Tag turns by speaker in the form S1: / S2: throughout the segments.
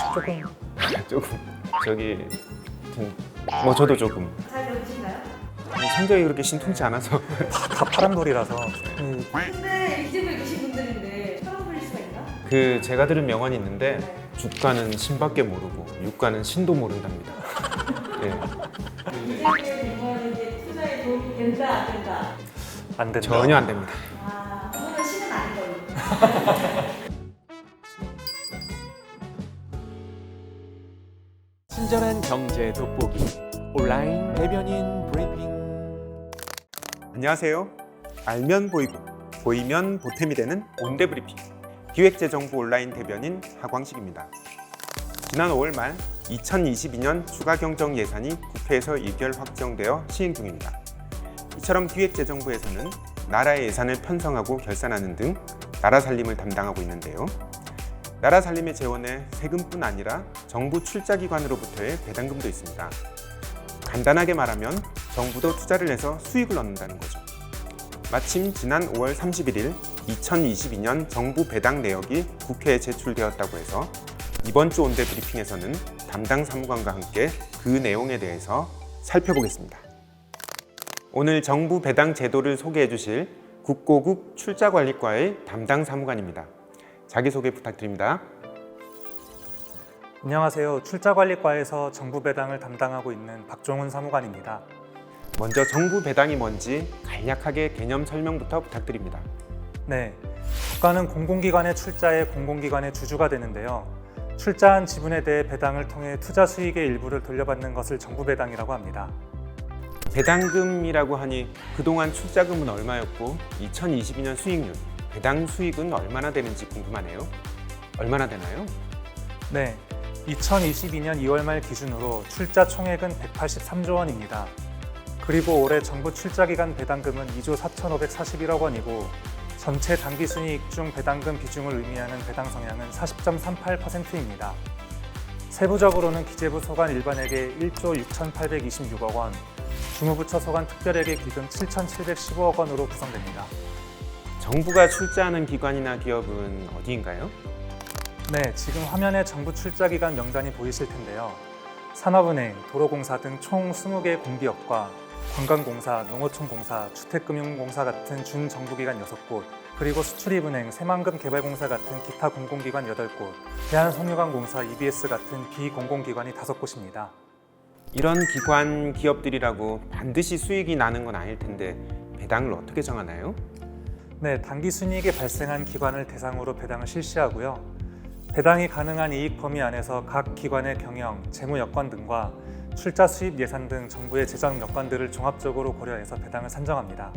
S1: 조금.
S2: 조금 저기 뭐 저도 조금
S3: 잘 배우신가요?
S2: 성적이 그렇게 신통치 않아서
S1: 다 파란돌이라서.
S3: 근데 이집에 계신 분들인데 처음 보실 수가 있나?
S2: 그 제가 들은 명언이 있는데 주가는 신밖에 모르고 유가는 신도 모른답니다. 예,
S3: 이집에 이거는 이제 투자에 도움이 된다 안 된다?
S1: 안 된다.
S2: 전혀 안 됩니다.
S3: 아, 그거는 신은 아닌 걸로.
S4: 친절한 경제 돋보기 온라인 대변인 브리핑.
S2: 안녕하세요. 알면 보이고 보이면 보탬이 되는 온대 브리핑 기획재정부 온라인 대변인 하광식입니다. 지난 5월 말 2022년 추가경정 예산이 국회에서 의결 확정되어 시행 중입니다. 이처럼 기획재정부에서는 나라의 예산을 편성하고 결산하는 등 나라 살림을 담당하고 있는데요. 나라 살림의 재원에 세금뿐 아니라 정부 출자기관으로부터의 배당금도 있습니다. 간단하게 말하면 정부도 투자를 해서 수익을 얻는다는 거죠. 마침 지난 5월 31일 2022년 정부 배당 내역이 국회에 제출되었다고 해서 이번 주 온대 브리핑에서는 담당 사무관과 함께 그 내용에 대해서 살펴보겠습니다. 오늘 정부 배당 제도를 소개해 주실 국고국 출자관리과의 담당 사무관입니다. 자기소개 부탁드립니다.
S1: 안녕하세요. 출자관리과에서 정부 배당을 담당하고 있는 박종훈 사무관입니다.
S2: 먼저 정부 배당이 뭔지 간략하게 개념 설명부터 부탁드립니다.
S1: 네, 국가는 공공기관의 출자에 공공기관의 주주가 되는데요. 출자한 지분에 대해 배당을 통해 투자 수익의 일부를 돌려받는 것을 정부 배당이라고 합니다.
S2: 배당금이라고 하니 그동안 출자금은 얼마였고 2022년 수익률, 배당 수익은 얼마나 되는지 궁금하네요. 얼마나 되나요?
S1: 네, 2022년 2월 말 기준으로 출자 총액은 183조 원입니다. 그리고 올해 정부 출자기간 배당금은 2조 4,541억 원이고 전체 당기순이익 중 배당금 비중을 의미하는 배당 성향은 40.38%입니다. 세부적으로는 기재부 소관 일반에게 1조 6,826억 원, 주무부처 소관 특별에게 기금 7,715억 원으로 구성됩니다.
S2: 정부가 출자하는 기관이나 기업은 어디인가요?
S1: 네, 지금 화면에 정부 출자기관 명단이 보이실 텐데요. 산업은행, 도로공사 등 총 20개 공기업과 관광공사, 농어촌공사, 주택금융공사 같은 준정부기관 6곳, 그리고 수출입은행, 새만금개발공사 같은 기타 공공기관 8곳, 대한석유관공사, EBS 같은 비공공기관이 5곳입니다.
S2: 이런 기관, 기업들이라고 반드시 수익이 나는 건 아닐 텐데 배당을 어떻게 정하나요?
S1: 네, 당기순이익이 발생한 기관을 대상으로 배당을 실시하고요. 배당이 가능한 이익 범위 안에서 각 기관의 경영, 재무 여건 등과 출자 수입 예산 등 정부의 재정 여건들을 종합적으로 고려해서 배당을 산정합니다.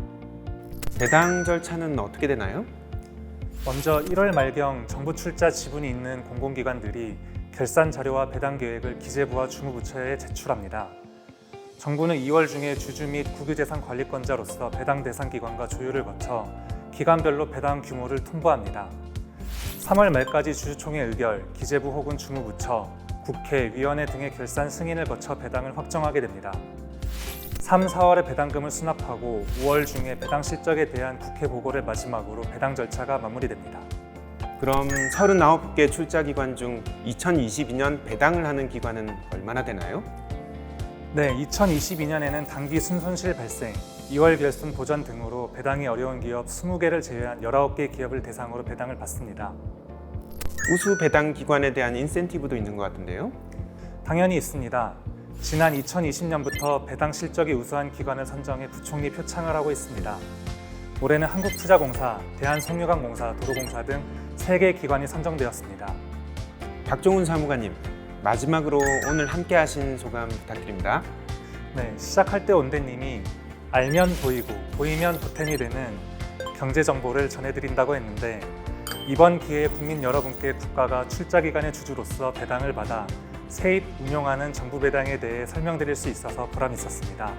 S2: 배당 절차는 어떻게 되나요?
S1: 먼저 1월 말경 정부 출자 지분이 있는 공공기관들이 결산 자료와 배당 계획을 기재부와 주무부처에 제출합니다. 정부는 2월 중에 주주 및 국유재산 관리권자로서 배당 대상 기관과 조율을 거쳐 기관별로 배당 규모를 통보합니다. 3월 말까지 주주총회 의결, 기재부 혹은 주무부처, 국회, 위원회 등의 결산 승인을 거쳐 배당을 확정하게 됩니다. 3, 4월에 배당금을 수납하고 5월 중에 배당 실적에 대한 국회 보고를 마지막으로 배당 절차가 마무리됩니다.
S2: 그럼 39개 출자기관 중 2022년 배당을 하는 기관은 얼마나 되나요?
S1: 네, 2022년에는 당기 순손실 발생, 2월 결손 보전 등으로 배당이 어려운 기업 20개를 제외한 19개 기업을 대상으로 배당을 받습니다.
S2: 우수 배당 기관에 대한 인센티브도 있는 것 같은데요?
S1: 당연히 있습니다. 지난 2020년부터 배당 실적이 우수한 기관을 선정해 부총리 표창을 하고 있습니다. 올해는 한국투자공사, 대한석유관공사, 도로공사 등 3개 기관이 선정되었습니다.
S2: 박종훈 사무관님, 마지막으로 오늘 함께 하신 소감 부탁드립니다.
S1: 네, 시작할 때 온대님이 알면 보이고 보이면 보탬이 되는 경제 정보를 전해드린다고 했는데 이번 기회에 국민 여러분께 국가가 출자기관의 주주로서 배당을 받아 세입 운용하는 정부 배당에 대해 설명드릴 수 있어서 보람이 있었습니다.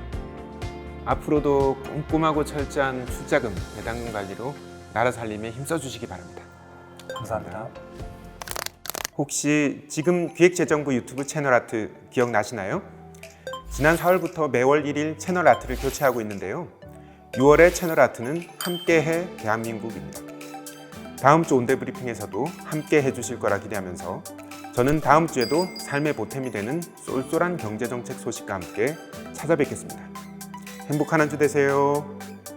S2: 앞으로도 꼼꼼하고 철저한 출자금, 배당금 관리로 나라 살림에 힘써주시기 바랍니다.
S1: 감사합니다.
S2: 혹시 지금 기획재정부 유튜브 채널 아트 기억나시나요? 지난 4월부터 매월 1일 채널 아트를 교체하고 있는데요. 6월의 채널 아트는 함께해 대한민국입니다. 다음 주 온대 브리핑에서도 함께 해주실 거라 기대하면서 저는 다음 주에도 삶의 보탬이 되는 쏠쏠한 경제정책 소식과 함께 찾아뵙겠습니다. 행복한 한 주 되세요.